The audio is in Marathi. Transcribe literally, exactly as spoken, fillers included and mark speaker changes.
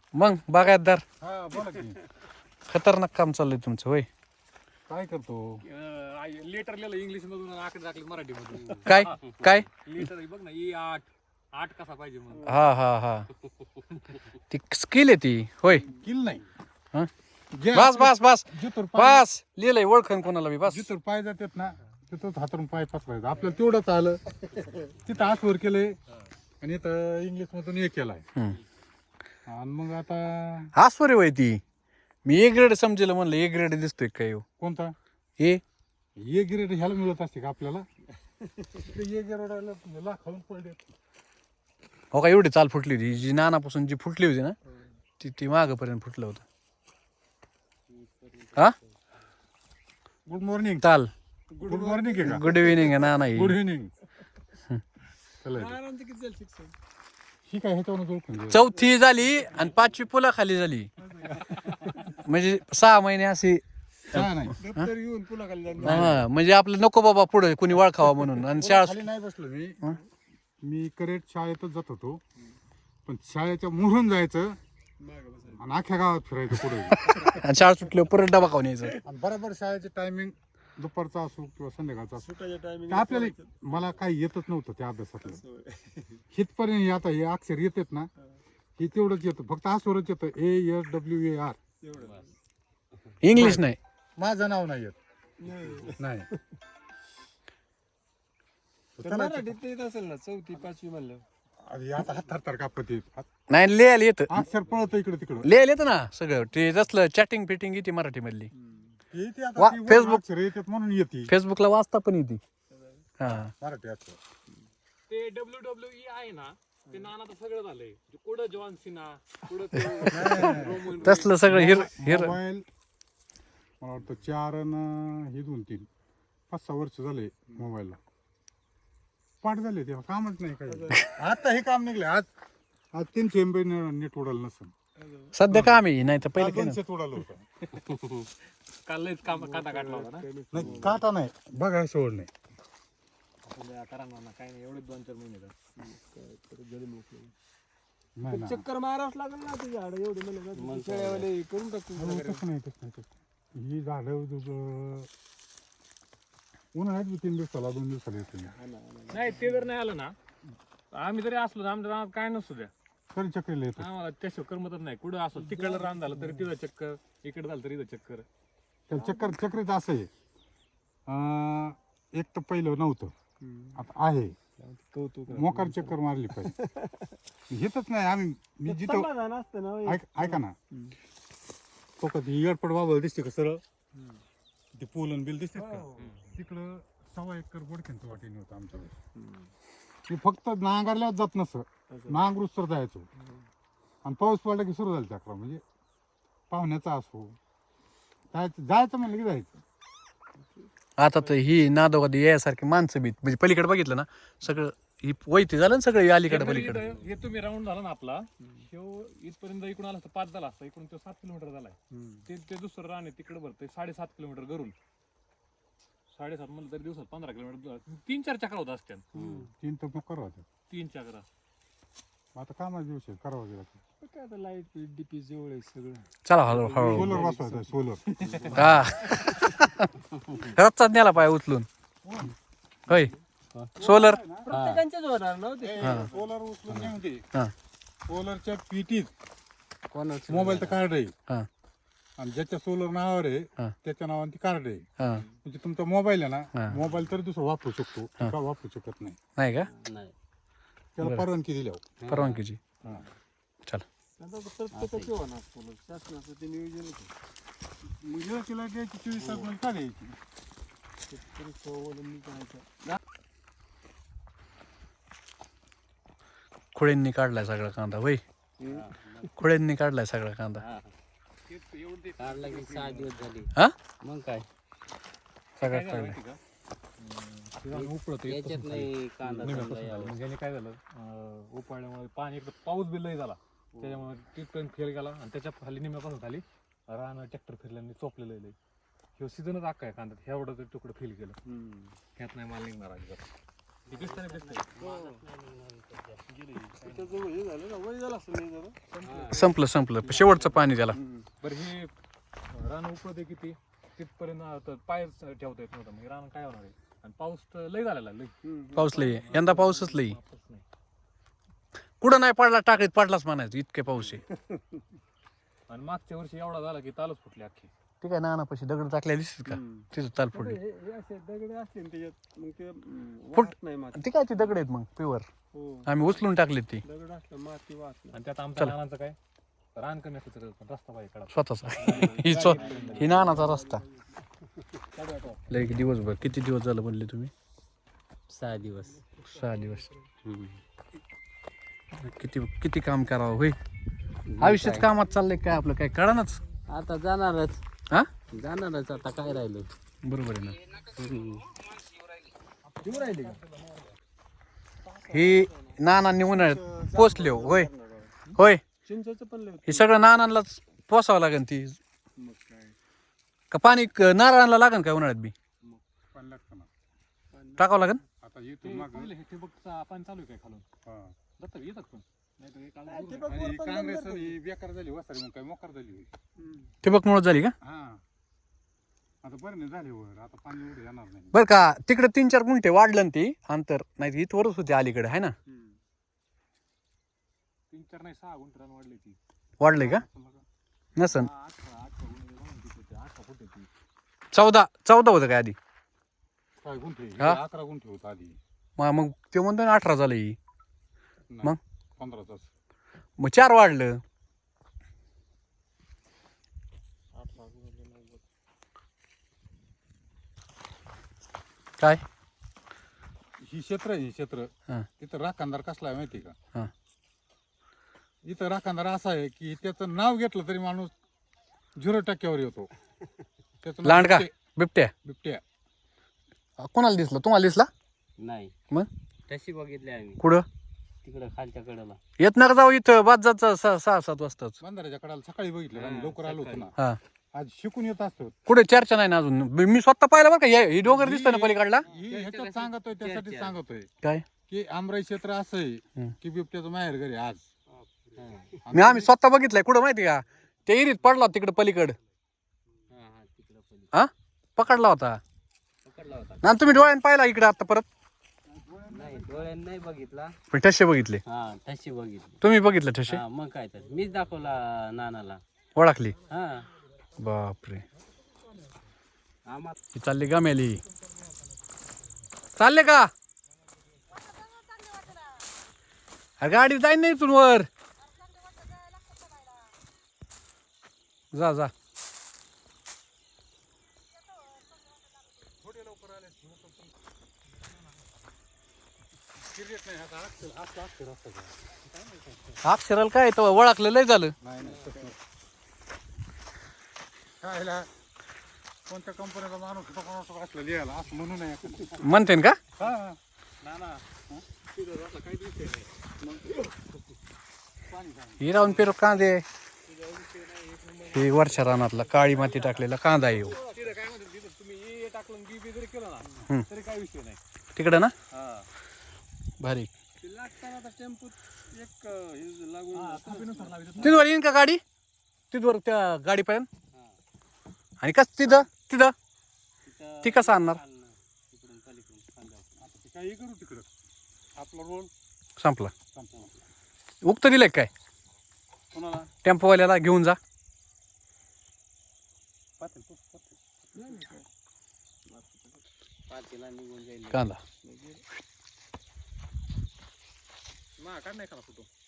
Speaker 1: मग बागायतदार
Speaker 2: हा बोला की
Speaker 1: खतरनाक काम चाललंय तुमचं होय.
Speaker 2: काय करतो?
Speaker 3: लेटर लिहिलं इंग्लिश मधून आकडे टाकले मराठी मधून.
Speaker 1: काय काय
Speaker 3: लेटर बघ ना ई आठ आठ कसा पाहिजे मग.
Speaker 1: हा हा हा ती स्किल आहे ती होय.
Speaker 2: किल नाही
Speaker 1: हा?
Speaker 2: जे
Speaker 1: बस बस बस
Speaker 2: जिथूर पाय
Speaker 1: बस लिहिलंय ओळखन कोणाला बी बस.
Speaker 2: जिथूर पाय जातात ना तिथंच हातरून पाय पसरायचं. आपल्याला तेवढंच आलं तिथं आसवर केलंय आणि इथं इंग्लिश मधून हे केलाय.
Speaker 1: हम्म.
Speaker 2: आणि मग आता
Speaker 1: हा स्वरे होय ती. मी ए ग्रेड समजेल म्हणलं ए ग्रेड दिसतोय काय हो
Speaker 2: कोणता
Speaker 1: ए
Speaker 2: ये गिरेड ह्याला मिळत असते का आपल्याला? ये गिरेडाला लाखावून पडले.
Speaker 1: हो का एवढी चाल फुटली होती जी नानापासून जी फुटली होती ना ती ती मागपर्यंत फुटलं होतं. हा
Speaker 2: गुड मॉर्निंग.
Speaker 1: चाल
Speaker 2: गुड मॉर्निंग आहे का?
Speaker 1: गुड इव्हिनिंग आहे नाना ही.
Speaker 2: Good evening. ही काय ह्याच्यावर ओळखून घे.
Speaker 1: चौथी झाली आणि पाचवी पुला खाली झाली म्हणजे सहा महिने अशी.
Speaker 2: हा नाही
Speaker 3: दप्तर घेऊन पुन्हा खाली जाऊन
Speaker 1: हा म्हणजे आपलं नको बाबा पुढे कुणी वळखावा म्हणून आणि शाळा
Speaker 2: खाली नाही बसलो मी. मी करेक्ट शाळेतच जात होतो पण शाळेच्या मुरून जायचं आणि अख्ख्या गावात फिरायचं पुढे.
Speaker 1: आणि शाळा सुटल्यावर परत डबा खाऊन यायचं.
Speaker 2: आणि बरोबर शाळेचे टायमिंग दुपारचा असो किंवा संध्याकाळचा असो तर आपल्याला मला काही येतच नव्हतं त्या अभ्यासातलं. हितपर्यंत आता हे अक्षर येतात ना हे तेवढंच येतं फक्त आसवरच येतं A S W A R.
Speaker 1: English नाही.
Speaker 2: माझं नाव नाही येत नाही.
Speaker 3: मराठीत येत असेल ना चौथी पाचवी म्हणलं.
Speaker 2: अरे आता हात थरथर कापत येत
Speaker 1: नाही लिहायला येतं
Speaker 2: अक्षर पळत इकडे तिकडं.
Speaker 1: लिहायला येतं ना सगळं ते जसलं चॅटिंग फिटिंग येते मराठी मधली.
Speaker 2: येते आता
Speaker 1: वा-
Speaker 2: ती वर
Speaker 1: फेसबुक-
Speaker 2: अक्षर येतात म्हणून येते
Speaker 1: फेसबुकला वाचता पण येते. हा
Speaker 2: मराठी अक्षर.
Speaker 3: ते डब्ल्यू डब्ल्यू ई आहे ना ते नाना तर सगळं झालंय. कुठं जॉन सिना कुठं ते रोमन
Speaker 1: तसलं सगळं हिर हिर
Speaker 2: मोबाईल मला वाटतं चार अन हे दोन तीन पाच सहा वर्ष झाले मोबाईलला. पाठ झाले तेव्हा कामच नाही काही. आता हे काम निघले आज आज तीनशे एम बी नेट उडाल नसेल.
Speaker 1: सध्या काम आहे नाही तर पहिले
Speaker 2: काल
Speaker 1: काय
Speaker 2: दोनशेच उडालं होतं.
Speaker 3: काल लयच काम काटा काढला होता ना.
Speaker 2: नाही काटा नाही बघा सोड नाही.
Speaker 3: करा ना काय नाही एवढे दोन चार महिने
Speaker 2: नाही ना.
Speaker 3: चक्कर मारावंच लागेल ना ते झाड एवढे म्हणले करून टाकतो.
Speaker 2: अहो, तसं नाही तसं नाही तसं ही झाडं तुझं उन्हाळ्यात बी तीन दिवसाला दोन दिवसाला येते.
Speaker 3: नाही ते जर नाही आलं ना आम्ही जरी असलो ना आमच्या रानात काय नसतो द्या
Speaker 2: तरी चक्रीला येतं.
Speaker 3: आम्हाला त्याशिवाय करमतच नाही. कुठं असो तिकडलं रान झालं तरी तिथं चक्कर इकडे झालं तरी इथं चक्कर.
Speaker 2: त्याला चक्कर चक्रीत असं आहे अं, एक तर पहिलं नव्हतं आता आहे.
Speaker 3: कौतुक
Speaker 2: मोकार चक्कर मारली पाहिजे. घेतच नाही आम्ही. मी जिथं ऐक ऐका ना तो कधी एअरपोर्ट बाबा दिसते का सरळ ते पोलन बिल दिसते का तिकडं सव्वा एकर बोडक्यांचं वाटेने होतं आमच्याकडे. मी फक्त नांगरल्यावर जात नसं नांगरूच तर जायचो आणि पाऊस पडला की सुरू झालं चक्र. म्हणजे पाहुण्याचा असो जायचं जायचं म्हणलं की जायचं.
Speaker 1: आता तर ही नादोगादी यासारखी माणसं बीत म्हणजे पलीकडे बघितलं ना सगळं ही वैती झालं ना सगळं अलीकडे पलीकडे.
Speaker 3: हे तुम्ही राऊंड झाला ना आपला ह्यो इथपर्यंत इकडून आला असता पाच झाला असता इकडून तो सात किलोमीटर झालाय. ते ते दुसरं रान आहे तिकडे भरतंय साडेसात किलोमीटर घरून. साडेसात म्हणलं तरी दिवसात पंधरा किलोमीटर तीन चार चक्र होत असत्या.
Speaker 2: तीन तर मग करावं
Speaker 3: तीन चक्र
Speaker 2: आता कामाचा दिवस आहे करावं गेला.
Speaker 3: काय आता लाईट डीपी जवळ आहे सगळं.
Speaker 1: चला हळू हळू
Speaker 2: सोलर बसवायचं सोलर.
Speaker 1: हा रस्ताच नेला पाय उचलून होय सोलर.
Speaker 3: प्रत्येकांच्याच होणार नव्हते.
Speaker 2: सोलर उचलून नेऊन दे.
Speaker 1: हा
Speaker 2: सोलरच्या पिटीत
Speaker 3: कोणाचं
Speaker 2: मोबाईलचं कार्ड आहे
Speaker 1: हा
Speaker 2: आणि ज्याच्या सोलर नावावर आहे
Speaker 1: हा.
Speaker 2: त्याच्या नावाने ती कार्ड आहे.
Speaker 1: हा
Speaker 2: म्हणजे तुमचा मोबाईल आहे
Speaker 1: हा.
Speaker 2: ना मोबाईल तर दुसरा वापरू शकतो का वापरू शकत नाही.
Speaker 1: नाही का
Speaker 2: त्याला परवानगी दिल्यावर
Speaker 1: परवानगीची.
Speaker 2: हा.
Speaker 1: चल
Speaker 3: प्रत्येकाचे होणार शासनाचं ते नियोजन
Speaker 2: मग इलेक्ट्रिक द्यायची चोवीस तास म्हणजे काय द्यायची.
Speaker 1: खुळ्यांनी काढलाय सगळा कांदा होय. खुळ्यांनी काढलाय सगळा कांदा.
Speaker 4: काढला की सहा दिवस झाले.
Speaker 1: हा
Speaker 4: मग काय
Speaker 1: सगळा काढलाय.
Speaker 4: याच्यात नाही कांदा चांगला यावा.
Speaker 3: म्हणजे काय झालं उपाळल्यामुळे पाणी एकदा पाऊस बी लय झाला त्याच्यामुळे तिथपर्यंत फेल गेला आणि त्याच्या खाली निम्यापासून खाली रान ट्रॅक्टर फिरल्याने चोपलेलं आहे. ह्यो सीझनच अख्खा आहे कांदा एवढं तुकडं फेल केलं. ह्यात नाही माल निघणार अजिबात. हे दिसतं नाही दिसतंय
Speaker 1: संपलं संपलं शेवटचं पाणी त्याला.
Speaker 3: बरं हे रान उपळते किती तिथपर्यंत आता पाय ठेवता येत नव्हतं मग रान काय होणार आहे. आणि पाऊस तर लय झालेला लय
Speaker 1: पाऊस लई आहे. यंदा पाऊसच लई.
Speaker 3: पाऊस नाही.
Speaker 1: कुठं नाही पडला टाकीत पडलाच म्हणायचं इतके पाऊस आहे.
Speaker 3: आणि मागच्या वर्षी एवढा झाला की तालच फुटली अख्खी.
Speaker 1: ठीक आहे नानापाशी दगड टाकल्या दिसत का तिथं ताल फुटली. फुट ती काय ती दगड आहेत मग प्युअर आम्ही उचलून टाकले ती
Speaker 3: आणि त्यात आमच्या रानाचं काय रान कमी असलं तर रस्ता पाहिजे कडा
Speaker 1: स्वतःचा. ही स्व ही नानाचा रस्ता. लय दिवसभर किती दिवस झालं म्हणले तुम्ही?
Speaker 4: सहा दिवस.
Speaker 1: सहा दिवस. किती किती काम करावं होय. आयुष्यात कामात चाललंय काय आपलं काय कळणाच.
Speaker 4: आता जाणारच
Speaker 1: हा
Speaker 4: जाणारच आता काय राहिलं.
Speaker 1: बरोबर आहे ना. ही नानांनी उन्हाळ्यात पोचले हो. होय होय हे सगळं नानांनाच पोसावं लागेल ती का पाणी क- नारळाला लागेल काय उन्हाळ्यात बी
Speaker 2: पण लागतं ना
Speaker 1: टाकावं लागेल.
Speaker 2: आता इथून मागं
Speaker 3: हे ठिबकचा पाणी चालू आहे काय खालून
Speaker 2: हा.
Speaker 3: जातं येतात पण नाही तर हे काल
Speaker 2: आणि ही काँग्रेस ही बेकार झाली वसारी मग काय मोकार झाली.
Speaker 1: ठिबक मुळे झाली का?
Speaker 2: हा आता बरं नाही झाले वर आता पाणी एवढं येणार नाही.
Speaker 1: बरं का तिकडे तीन चार गुंठे वाढलं ना ती अंतर नाही इथवरच होती अलीकडे आहे ना.
Speaker 3: तीन चार नाही सहा गुंठ रान वाढली ती
Speaker 1: वाढलंय का नसन.
Speaker 3: अठरा अठरा गुंठ अठरा फुट ती
Speaker 1: चौदा चौदा होतं काय आधी
Speaker 2: काय गुंठे
Speaker 1: हा?
Speaker 2: अकरा गुंठे होत आधी.
Speaker 1: मग मग ते म्हणतो ना अठरा झालं ही
Speaker 2: नाही,
Speaker 1: मग?
Speaker 2: पंधरा तास
Speaker 1: मग चार वाढलं. काय
Speaker 2: ही क्षेत्र आहे ही क्षेत्र
Speaker 1: हा.
Speaker 2: तिथं राखणदार कसला आहे माहिती आहे का?
Speaker 1: हा.
Speaker 2: इथं राखणदार असा आहे की त्याचं नाव घेतलं तरी माणूस झिरो टक्क्यावर येतो. त्याचं नाव
Speaker 1: लांडगा
Speaker 2: बिबटे-
Speaker 1: बिबट्या
Speaker 2: बिबट्या.
Speaker 1: कोणाला दिसला तुम्हाला दिसला
Speaker 4: नाही
Speaker 1: मग
Speaker 4: तशी बघितली आम्ही
Speaker 1: कुठं
Speaker 4: तिकडं खालच्या कडेला.
Speaker 1: येत नका जाऊ इथं बाद जायचं सहा सहा सात वाजताच.
Speaker 2: बंधाऱ्याच्या कडाला सकाळी बघितलं आम्ही लवकर आलो होतो ना.
Speaker 1: हा
Speaker 2: आज शिकून येत असतो.
Speaker 1: कुठे चर्चा नाही ना अजून. मी मी स्वतः पाहिलं बरं का हे ही डोंगर दिसतं ना पलीकडला.
Speaker 2: ही ह्याच्यात सांगतोय त्यासाठी
Speaker 4: चर्चा.
Speaker 2: सांगतोय
Speaker 1: काय
Speaker 2: की आमराई क्षेत्र असं आहे
Speaker 1: हम्म.
Speaker 2: की बिबट्याचं माहेर घरी आज.
Speaker 1: मी आम्ही स्वतः बघितलंय कुठं माहिती का ते इरीत पडला तिकडे पलीकड
Speaker 4: हा हा तिकडं पली
Speaker 1: हा पकडला होता
Speaker 4: पकडला होता.
Speaker 1: ना तुम्ही डोळ्यानं पाहिला इकडे आता परत
Speaker 4: नाही डोळ्यानं नाही बघितला.
Speaker 1: पण ठसे बघितले.
Speaker 4: हा तशी बघितली.
Speaker 1: तुम्ही बघितलं ठसे
Speaker 4: हा मग काय तर मीच दाखवला नानाला.
Speaker 1: ओळखली.
Speaker 4: हा
Speaker 1: बापरे
Speaker 4: आम्हाला
Speaker 1: ही चालली गमेली चालले का अरे गाडी जाईन नाही इथून वर जा जा अक्षराला काय तो ओळखलं लय झालं.
Speaker 2: नाही नाही तसं नाही. काय ह्याला कोणत्या कंपनीचा माणूस होता कोणाचा होता असलं लिहायला असं म्हणू नये.
Speaker 1: म्हणते का
Speaker 2: हा
Speaker 1: ही राहून पेरू कांदे ही वर्षा रानातला काळी माती टाकलेला कांदा येऊ
Speaker 3: तिथं काय म्हणतात तिथं तुम्ही हे टाकलं बी बी जरी केलं
Speaker 1: हम्म.
Speaker 3: ना तरी काय विषय नाही.
Speaker 1: तिकडं ना
Speaker 3: हा
Speaker 1: भारी.
Speaker 4: लागताना टेम्पो एक हे लागून
Speaker 3: हा, थापीनुसार लावायचं.
Speaker 1: तिथवर येईन का गाडी तिथवर त्या गाडीपर्यंत आणि कस तिथं तिथं ती कसं आणणार
Speaker 4: तिकडून पलीकडून खांद्यावर.
Speaker 2: आता ते काही करू तिकडं आपला रोल
Speaker 1: संपला.
Speaker 2: संपला.
Speaker 1: उक्त दिलंय काय
Speaker 2: कोणाला
Speaker 1: टेम्पोवाल्याला घेऊन जा
Speaker 2: पातेल, पातेल.
Speaker 4: पातेला निघून जाईल.
Speaker 1: कांदा
Speaker 3: मा काढ नाही का फोटो